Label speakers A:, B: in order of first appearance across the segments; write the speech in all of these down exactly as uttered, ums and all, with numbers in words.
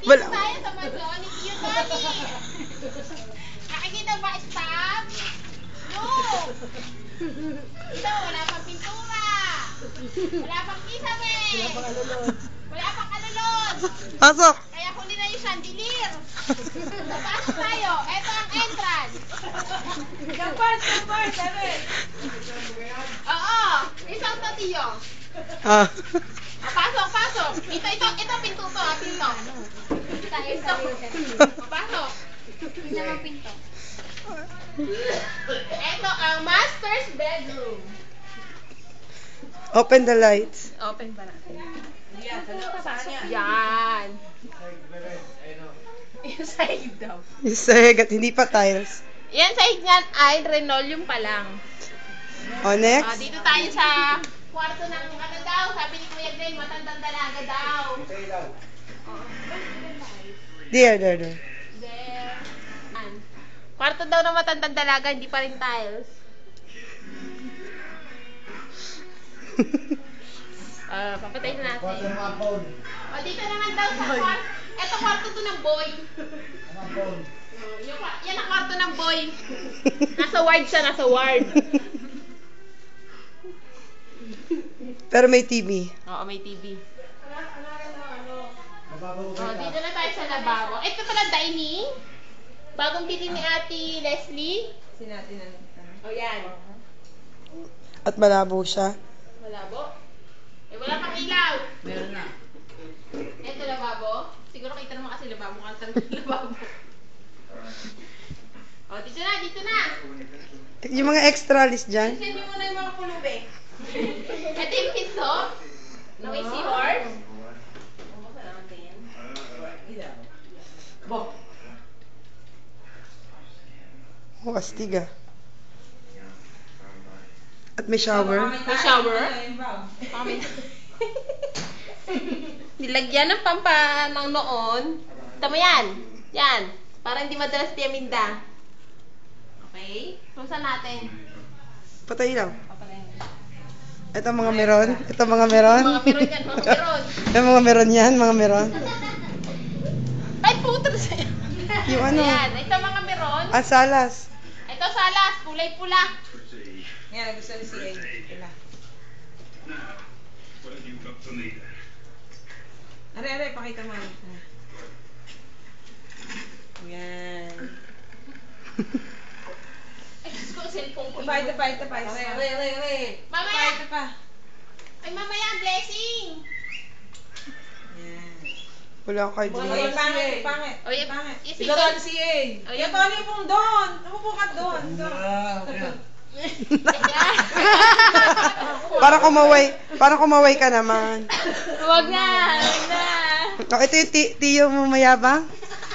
A: Wala.
B: tayo sa mansyon ni Tio Tony. Nakikita ba, stop? Look! Ito, wala pang pintura. Wala pang kisame. Wala pang alulod. Wala pang alulod.
A: Pasok.
B: Kaya huli na yung chandelier. Pasok tayo. Ito ang entrance. Kampart, kampart, sabi. Oo. Isang to, Tio.
A: Ah.
B: Ah, pasok, pasok. Ito, ito, ito, pinto to, ha, pinto. Ito. Pasok. Hindi naman pinto. Ito ang master's bedroom.
A: Open the lights.
B: Open pa natin. Yan. Yung sahig daw.
A: Yung sahig at hindi pa tiles.
B: Yan sahig niyan ay linoleum pa lang.
A: O,
B: Ah,
A: next.
B: dito tayo sa kwarto ng ano daw. Sabi ni Kuya Glenn, matandang dalaga daw.
A: There, there, there.
B: There. An. Kwarto daw ng matandang dalaga, hindi pa rin tiles. Ah, papatayin na natin. O, dito naman daw sa kwarto. Eto kwarto to ng boy. Oh, yung, kwa- yan ang kwarto ng boy. Nasa ward siya, nasa ward.
A: Pero may T V.
B: Oo, may T V. Oh, dito na tayo sa lababo. Ito pala dining. Bagong bili ni Ate Leslie.
C: Sinati na
B: O, yan.
A: At malabo siya.
B: Malabo. Eh, wala pang ilaw.
C: Meron na.
B: Ito lababo. Siguro kita naman kasi lababo. Mukhang talaga lababo. O, dito na, dito na.
A: Yung mga extra list dyan.
B: Send mo muna yung mga pulube. Ito yung pinto. Na may seahorse.
C: Bo.
A: Oh, astig ah. At may shower.
B: May shower. Kami. Nilagyan ng pampa ng noon. Tama yan. Yan. Para hindi madalas tiyaminda. Okay? Pusa natin.
A: Patay lang.
B: Papalayin.
A: Ito mga meron. Ito mga meron.
B: Mga meron yan. Mga meron.
A: Yung mga meron yan. Mga meron.
B: Ay, puto sa'yo.
A: Yung ano.
B: Ayan. Ito mga meron.
A: Ang salas.
B: Ito salas. Kulay pula.
C: Yan, gusto ni si A. Pila. Are, are, pakita mo. Yan.
B: Ay, Diyos ko, cellphone ko.
C: Ito pa, ito pa, ito pa. Are, are, are, are.
B: Mamaya.
C: Ito pa.
B: Ay, mamaya ang blessing.
C: Yan.
A: Wala akong card
C: Ay,
A: dito.
C: pangit, pangit.
B: O, y-
C: Pangit.
B: y-
C: Ikaw doon si A.
B: O,
C: Yung
B: yun.
C: Tony pong doon. Umupo ka doon. Doon.
A: Parang kumaway. Parang kumaway ka naman.
B: Huwag na. Huwag na.
A: Oh, ito yung ti- tiyo mo mayabang.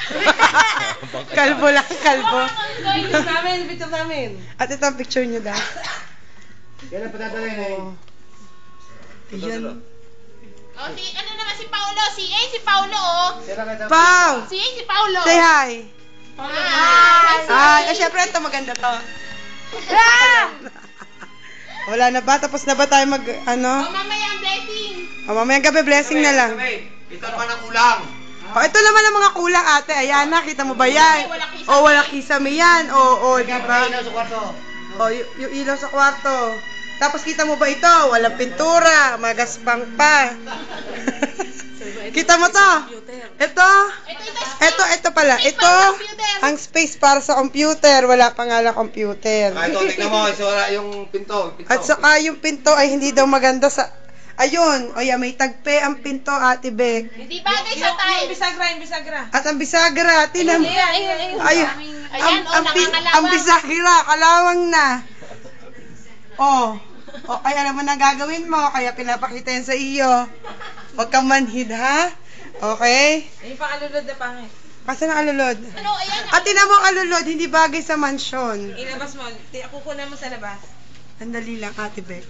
A: Kalbo lang, kalbo.
C: Picture namin, picture namin.
A: At ito ang picture nyo daw.
D: Yan ang patatayin eh.
A: Oh. Yan.
B: O, si, ano naman si Paulo? Si A, si Paulo, oh.
D: Sila ka daw.
A: Pau!
B: Si A, si Paulo.
A: Say hi.
B: Hi.
A: Ay, ah, syempre ito maganda to. Ah! Wala na ba? Tapos na ba tayo mag,
B: O,
A: ano?
B: mamaya ang blessing.
A: O, mamayang gabi, blessing na lang.
D: Ito naman ang ulang.
A: O, ito naman ang mga kulang, ate. Ayan na, kita mo ba yan? O, wala kisame yan. O, o, di ba?
D: Ilaw sa kwarto.
A: O, y- yung ilaw sa kwarto. Tapos kita mo ba ito? Walang pintura, magaspang pa. Kita mo to? Ito?
B: Ito, ito.
A: Ito, ito pala.
B: Space
A: Ito,
B: para sa computer.
A: ang space para sa computer. Wala pa nga lang computer.
D: Ah, ito, tignan mo. So, wala yung pinto. pinto.
A: At saka yung pinto ay hindi daw maganda sa... Ayun, o yan, may tagpe ang pinto, Ate Beck.
B: Hindi bagay sa
C: Yung
B: tiles.
C: bisagra, yung bisagra.
A: At ang bisagra, tinan mo.
C: Ayun, ayun, ayun.
A: Ayun,
B: Ayan,
A: ang,
B: oh,
A: ang, pi-
B: nangangalawang.
A: ang bisagra, kalawang na. Oh, oh, ay alam mo na gagawin mo, kaya pinapakita yan sa iyo. Huwag kang manhid, ha? Okay?
C: Yung pang alulod na pangit.
A: Kasi ang alulod.
B: Ano, ayan.
A: At tinan mo ang alulod, hindi bagay sa mansyon.
C: Ilabas mo. Ti- Kukunan mo sa labas.
A: Andali lang, Ate Beck.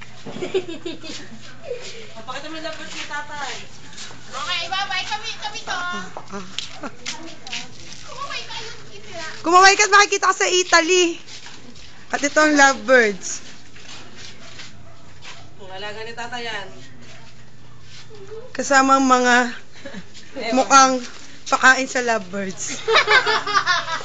C: O, pakita mo yung labas ni tatay.
B: Okay, bye-bye. Kami, kami to.
A: Ah.
B: Kumabay tayo. Itira.
A: Kumaway ka at makikita ka sa Italy. At ito ang lovebirds.
C: Alaga ni tatay yan.
A: Kasama ang mga mukhang Pakain sa lovebirds.